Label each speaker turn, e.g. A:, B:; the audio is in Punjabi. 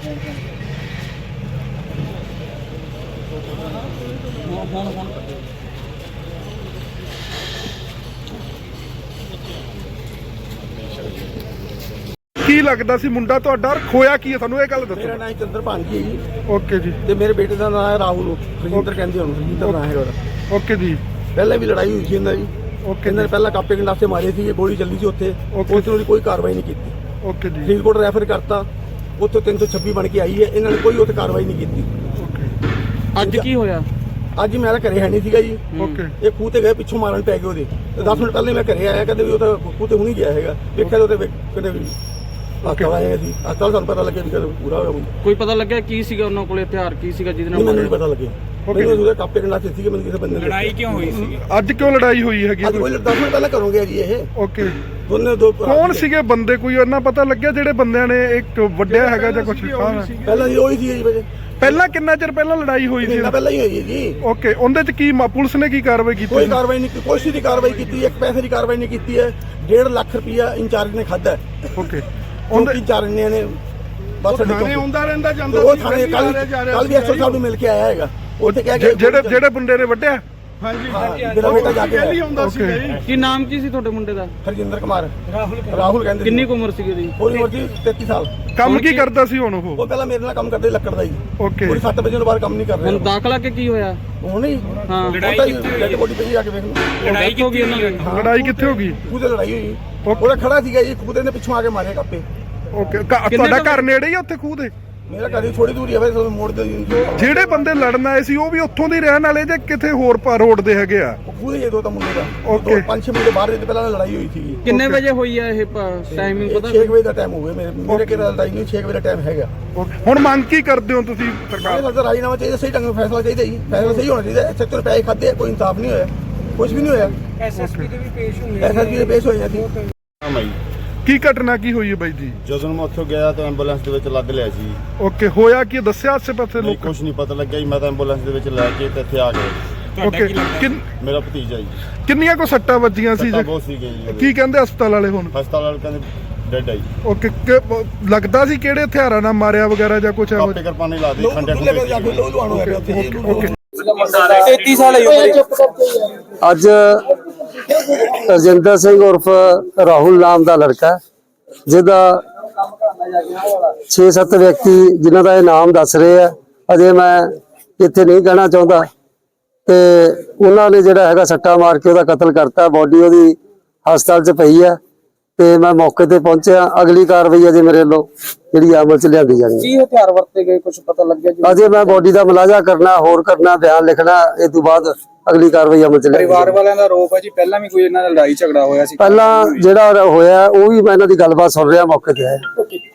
A: ਕੀ ਲੱਗਦਾ ਸੀ ਮੁੰਡਾ ਤੁਹਾਡਾ, ਖੋਇਆ ਕੀ ਹੈ ਤੁਹਾਨੂੰ ਇਹ ਗੱਲ ਦੱਸੋ।
B: ਮੇਰਾ ਨਾਮ ਚੰਦਰਪਾਲ ਜੀ ਹੈ ਜੀ।
A: ਓਕੇ ਜੀ।
B: ਤੇ ਮੇਰੇ ਬੇਟੇ ਦਾ ਨਾਮ ਹੈ ਰਾਹੁਲ, ਰਜਿੰਦਰ ਕਹਿੰਦੇ ਉਹਨੂੰ, ਰਜਿੰਦਰ ਨਾਮ ਹੈ ਉਹਦਾ।
A: ਓਕੇ ਜੀ।
B: ਪਹਿਲਾਂ ਵੀ ਲੜਾਈ ਹੋਈ ਸੀ ਇਹਨਾਂ ਦੀ।
A: ਓਕੇ।
B: ਇਹਨਾਂ ਨੇ ਪਹਿਲਾਂ ਕਾਪੇ ਗੰਡਾਸੇ ਮਾਰੇ ਸੀ, ਗੋਲੀ ਚੱਲੀ ਸੀ ਉੱਥੇ, ਉਹਦੀ ਕੋਈ ਕਾਰਵਾਈ ਨਹੀਂ ਕੀਤੀ।
A: ਓਕੇ ਜੀ।
B: ਫਰੀਦਕੋਟ ਰੈਫਰ ਕਰਤਾ, ਉੱਥੇ 326 ਬਣ ਕੇ ਆਈ ਹੈ, ਇਹਨਾਂ ਨੇ ਕੋਈ ਉੱਥੇ ਕਾਰਵਾਈ ਨਹੀਂ ਕੀਤੀ।
A: ਓਕੇ।
C: ਅੱਜ ਕੀ ਹੋਇਆ?
B: ਅੱਜ ਮੇਰਾ ਘਰੇ ਹੈ ਨਹੀਂ ਸੀਗਾ ਜੀ।
A: ਓਕੇ।
B: ਇਹ ਖੂਹ ਤੇ ਗਏ, ਪਿੱਛੋਂ ਮਾਰਨ ਪੈ ਗਏ ਉਹਦੇ। ਤੇ 10 ਮਿੰਟ ਪਹਿਲੇ ਮੈਂ ਘਰੇ ਆਇਆ, ਕਹਿੰਦੇ ਵੀ ਉਹ ਤਾਂ ਖੂਹ ਤੇ ਹੁਣੀ ਗਿਆ ਹੈਗਾ। ਵੇਖਿਆ ਉਹਦੇ ਕਹਿੰਦੇ ਵੀ ਹਸਪਤਾਲ ਆਏ ਸੀ। ਹਸਪਤਾਲ ਸਾਨੂੰ ਪਤਾ ਲੱਗਿਆ ਵੀ ਕਦੋਂ ਪੂਰਾ ਹੋਇਆ ਮੁੰਡਾ।
C: ਕੋਈ ਪਤਾ ਲੱਗਿਆ ਕੀ ਸੀਗਾ ਉਹਨਾਂ ਕੋਲੇ, ਹਥਿਆਰ ਕੀ ਸੀਗਾ ਜਿਹਦੇ ਨਾਲ?
B: ਮੈਨੂੰ ਨਹੀਂ ਪਤਾ ਲੱਗਿਆ। ਮੈਨੂੰ ਉਹਦੇ ਕਾਪੇ ਗੰਡਾਸੇ ਸੀਗੇ, ਮੈਨੂੰ ਕਿਸੇ ਬੰਦੇ ਨੇ।
D: ਲੜਾਈ ਕਿਉਂ ਹੋਈ ਸੀ?
A: ਅੱਜ ਕਿਉਂ ਲੜਾਈ ਹੋਈ ਹੈਗੀ?
B: ਅੱਜ ਕੋਈ 10 ਮਿੰਟ ਪਹਿਲਾਂ ਕਰੋਗੇ ਜੀ ਇਹ।
A: ਓਕੇ।
B: ਦੋਨੇ ਦੋ
A: ਕੌਣ ਸੀਗੇ ਬੰਦੇ, ਕੋਈ ਉਹਨਾਂ ਪਤਾ ਲੱਗਿਆ ਜਿਹੜੇ ਬੰਦਿਆਂ ਨੇ ਇੱਕ ਵੱਡਿਆ ਹੈਗਾ ਜਾਂ ਕੁਝ?
B: ਪਹਿਲਾਂ ਜੀ ਉਹੀ ਸੀ ਜੀ ਵਜੇ।
A: ਪਹਿਲਾਂ ਕਿੰਨਾ ਚਿਰ ਪਹਿਲਾਂ ਲੜਾਈ ਹੋਈ ਸੀ?
B: ਪਹਿਲਾਂ ਹੀ ਹੋਈ ਹੈ ਜੀ।
A: ਓਕੇ। ਉਹਦੇ ਚ ਕੀ ਪੁਲਿਸ ਨੇ ਕੀ ਕਾਰਵਾਈ ਕੀਤੀ?
B: ਕੋਈ ਕਾਰਵਾਈ ਨਹੀਂ, ਕੋਈ ਦੀ ਕਾਰਵਾਈ ਕੀਤੀ, ਇੱਕ ਪੈਸੇ ਦੀ ਕਾਰਵਾਈ ਨਹੀਂ ਕੀਤੀ ਹੈ। 1.5 ਲੱਖ ਰੁਪਇਆ ਇੰਚਾਰਜ ਨੇ ਖਾਦਾ।
A: ਓਕੇ।
B: ਉਹਦੇ ਇੰਚਾਰਜ ਨੇ ਬਸ
A: ਥਾਣੇ ਆਉਂਦਾ ਰਹਿੰਦਾ ਜਾਂਦਾ
B: ਉਹ ਥਾਣੇ ਕੱਲ ਵੀ ਐਸਓ ਸਾਹਿਬ ਨੂੰ ਮਿਲ ਕੇ ਆਇਆ ਹੈਗਾ। ਉੱਥੇ ਕਹਿ ਕੇ
A: ਜਿਹੜੇ ਬੰਦੇ ਨੇ ਵੱਢਿਆ।
B: ਹਾਂਜੀ। ਮੇਰਾ ਬੇਟਾ ਜਾ ਕੇ ਆਉਂਦਾ ਸੀ।
C: ਕੀ ਨਾਮ ਕੀ ਸੀ ਤੁਹਾਡੇ ਮੁੰਡੇ ਦਾ?
B: ਹਰਜਿੰਦਰ ਕੁਮਾਰ। ਰਾਹੁਲ ਕਹਿੰਦੇ।
C: ਕਿੰਨੀ ਕੁ ਉਮਰ ਸੀਗੀ ਉਹਦੀ?
B: ਉਹਦੀ ਉਮਰ ਸੀ 33 ਸਾਲ।
A: ਕੰਮ ਕੀ ਕਰਦਾ ਸੀ ਹੁਣ ਉਹ?
B: ਉਹ ਪਹਿਲਾਂ ਮੇਰੇ ਨਾਲ ਕੰਮ ਕਰਦੇ ਲੱਕੜ ਦਾ ਜੀ।
A: ਓਕੇ।
B: ਪੂਰੀ 7 ਵਜੇ ਤੋਂ ਬਾਅਦ ਕੰਮ ਨਹੀਂ ਕਰ
C: ਹੁਣ
B: ਰਿਹਾ।
C: ਦਾਖਲਾ ਕੇ ਕੀ ਹੋਇਆ?
B: ਹੁਣ ਹੀ
C: ਹਾਂ।
B: ਲੜਾਈ ਡੈਡ ਬੋਡੀ ਪਈ ਆ ਕੇ ਵੇਖ ਲਓ।
C: ਲੜਾਈ ਹੋ ਗਈ ਇਹਨਾਂ ਦੀ?
A: ਲੜਾਈ ਕਿੱਥੇ ਹੋ ਗਈ?
B: ਖੂਹ ਤੇ ਲੜਾਈ ਹੋਈ। ਉਹਦਾ ਖੜਾ ਸੀਗਾ ਜੀ, ਖੂਹ ਦੇ ਪਿੱਛੋਂ ਆ ਕੇ ਮਾਰੇ ਕਾਪੇ।
A: ਓਕੇ। ਤੁਹਾਡਾ ਘਰ ਨੇੜੇ ਹੀ ਉੱਥੇ ਖੂਹ ਦੇ?
B: ਮੇਰਾ ਘਰ ਥੋੜੀ ਦੂਰੀ ਹੈ, ਫਿਰ ਮੋੜ ਦੇ।
A: ਜਿਹੜੇ ਬੰਦੇ ਲੜਨ ਆਏ ਸੀ ਉਹ ਵੀ ਉੱਥੋਂ ਦੇ ਰਹਿਣ ਵਾਲੇ ਜਾਂ ਕਿਤੇ ਹੋਰ ਰੋਡ ਦੇ ਹੈਗੇ ਆ?
B: ਖੂਹ ਦੇ ਦੋ ਤਾਂ ਮੁੰਡੇ ਦਾ।
A: ਓਕੇ।
B: 5-6 ਮੁੰਡੇ ਬਾਹਰ ਦੇ ਪਹਿਲਾਂ ਲੜਾਈ ਹੋਈ ਸੀ।
C: ਕਿੰਨੇ ਵਜੇ ਹੋਈ ਹੈ ਇਹ ਟਾਈਮਿੰਗ ਪਤਾ?
B: 6 ਵਜੇ ਦਾ ਟਾਈਮ ਹੋਵੇ ਮੇਰੇ ਕਿਹੜਾ ਲੜਾਈ ਨਹੀਂ, 6 ਵਜੇ ਦਾ ਟਾਈਮ ਹੈਗਾ।
A: ਹੁਣ ਮੰਗ ਕੀ ਕਰਦੇ ਹੋ ਤੁਸੀਂ ਸਰਕਾਰ?
B: ਸਰਕਾਰ ਰਾਜੀਨਾਮਾ ਚਾਹੀਦਾ, ਸਹੀ ਢੰਗ ਨਾਲ ਫੈਸਲਾ ਚਾਹੀਦਾ ਜੀ। ਫੈਸਲਾ ਸਹੀ ਹੋਣਾ ਚਾਹੀਦਾ। 70 ਰੁਪਏ ਖਾਦੇ, ਕੋਈ ਇਨਸਾਫ ਨਹੀਂ ਹੋਇਆ, ਕੁਝ ਵੀ ਨਹੀਂ ਹੋਇਆ।
D: ਐਸਐਸਪੀ ਦੇ ਵੀ ਪੇਸ਼ ਹੋਏ।
B: ਐਸਐਸਪੀ ਦੇ ਪੇਸ਼ ਹੋਏ ਸੀ।
A: ਕੀ ਘਟਨਾ ਕੀ ਹੋਈ ਹੈ ਬਾਈ ਜੀ?
E: ਜਦੋਂ ਮੈਂ ਉੱਥੋਂ ਗਿਆ ਤਾਂ ਐਂਬੂਲੈਂਸ ਦੇ ਵਿੱਚ ਲੱਦ ਲਿਆ ਸੀ।
A: ਓਕੇ। ਹੋਇਆ ਕੀ ਦੱਸਿਆ ਆਸੇ ਪਾਸੇ
E: ਨਹੀਂ,
A: ਲੋਕ?
E: ਕੁਝ ਨਹੀਂ ਪਤਾ ਲੱਗਿਆ ਜੀ। ਮੈਂ ਤਾਂ ਐਂਬੂਲੈਂਸ ਦੇ ਵਿੱਚ ਲੈ ਕੇ ਤੇ ਇੱਥੇ ਆ ਗਿਆ।
A: ਓਕੇ।
E: ਮੇਰਾ ਭਤੀਜਾ ਜੀ।
A: ਕਿੰਨੀਆਂ ਕੋ ਸੱਟਾਂ ਵੱਜੀਆਂ ਸੀ?
E: ਸੱਟਾਂ ਬਹੁਤ ਸੀਗੀਆਂ ਜੀ।
A: ਕੀ ਕਹਿੰਦੇ ਹਸਪਤਾਲ ਵਾਲੇ ਹੁਣ?
E: ਹਸਪਤਾਲ ਵਾਲੇ ਕਹਿੰਦੇ ਡੈਡ ਆਈ।
A: ਓਕੇ। ਲੱਗਦਾ ਸੀ ਕਿਹੜੇ ਹਥਿਆਰਾਂ ਨਾਲ ਮਾਰਿਆ ਵਗੈਰਾ ਜਾਂ ਕੁਝ?
E: ਕਾਪੇ ਕਰਪਾਨੇ ਲਾ ਦੇ ਖੰਡੇ
B: ਓਕੇ।
D: 33 ਸਾਲ ਹੈ।
F: ਅੱਜ ਰਜਿੰਦਰ ਸਿੰਘ ਉਰਫ ਰਾਹੁਲ ਨਾਮ ਦਾ ਲੜਕਾ, ਜਿਹਦਾ 6-7 ਵਿਅਕਤੀ ਜਿਨ੍ਹਾਂ ਦਾ ਇਹ ਨਾਮ ਦੱਸ ਰਹੇ ਆ, ਅਜੇ ਮੈਂ ਇੱਥੇ ਨਹੀਂ ਕਹਿਣਾ ਚਾਹੁੰਦਾ, ਤੇ ਉਹਨਾਂ ਨੇ ਜਿਹੜਾ ਹੈਗਾ ਸੱਟਾ ਮਾਰ ਕੇ ਉਹਦਾ ਕਤਲ ਕਰਤਾ। ਬੋਡੀ ਉਹਦੀ ਹਸਪਤਾਲ 'ਚ ਪਈ ਹੈ ਤੇ ਮੈਂ ਮੌਕੇ ਤੇ ਪਹੁੰਚਿਆ। ਅਗਲੀ ਕਾਰਵਾਈ ਅਜੇ ਮੇਰੇ ਵੱਲੋਂ ਜਿਹੜੀ ਅਮਲ 'ਚ ਲਿਆਂਦੀ ਜਾਣੀ ਹੈ।
C: ਕੀ ਹਥਿਆਰ ਵਰਤੇ ਗਏ, ਕੁਝ ਪਤਾ ਲੱਗਿਆ ਜੀ?
F: ਅਜੇ ਮੈਂ ਬੋਡੀ ਦਾ ਮੁਲਾਜ਼ਾ ਕਰਨਾ, ਹੋਰ ਕਰਨਾ, ਬਿਆਨ ਲਿਖਣਾ, ਇਸ ਤੋਂ ਬਾਅਦ ਅਗਲੀ ਕਾਰਵਾਈ ਅਮਲ 'ਚ ਲਿਆਂਦੀ।
D: ਪਰਿਵਾਰ ਵਾਲਿਆਂ ਦਾ ਆਰੋਪ ਹੈ ਜੀ ਪਹਿਲਾਂ ਵੀ ਕੋਈ ਇਹਨਾਂ ਦਾ ਲੜਾਈ ਝਗੜਾ ਹੋਇਆ ਸੀ।
F: ਪਹਿਲਾਂ ਜਿਹੜਾ ਹੋਇਆ ਉਹ ਵੀ ਮੈਂ ਇਹਨਾਂ ਦੀ ਗੱਲਬਾਤ ਸੁਣ ਰਿਹਾ, ਮੌਕੇ ਤੇ ਆਇਆ।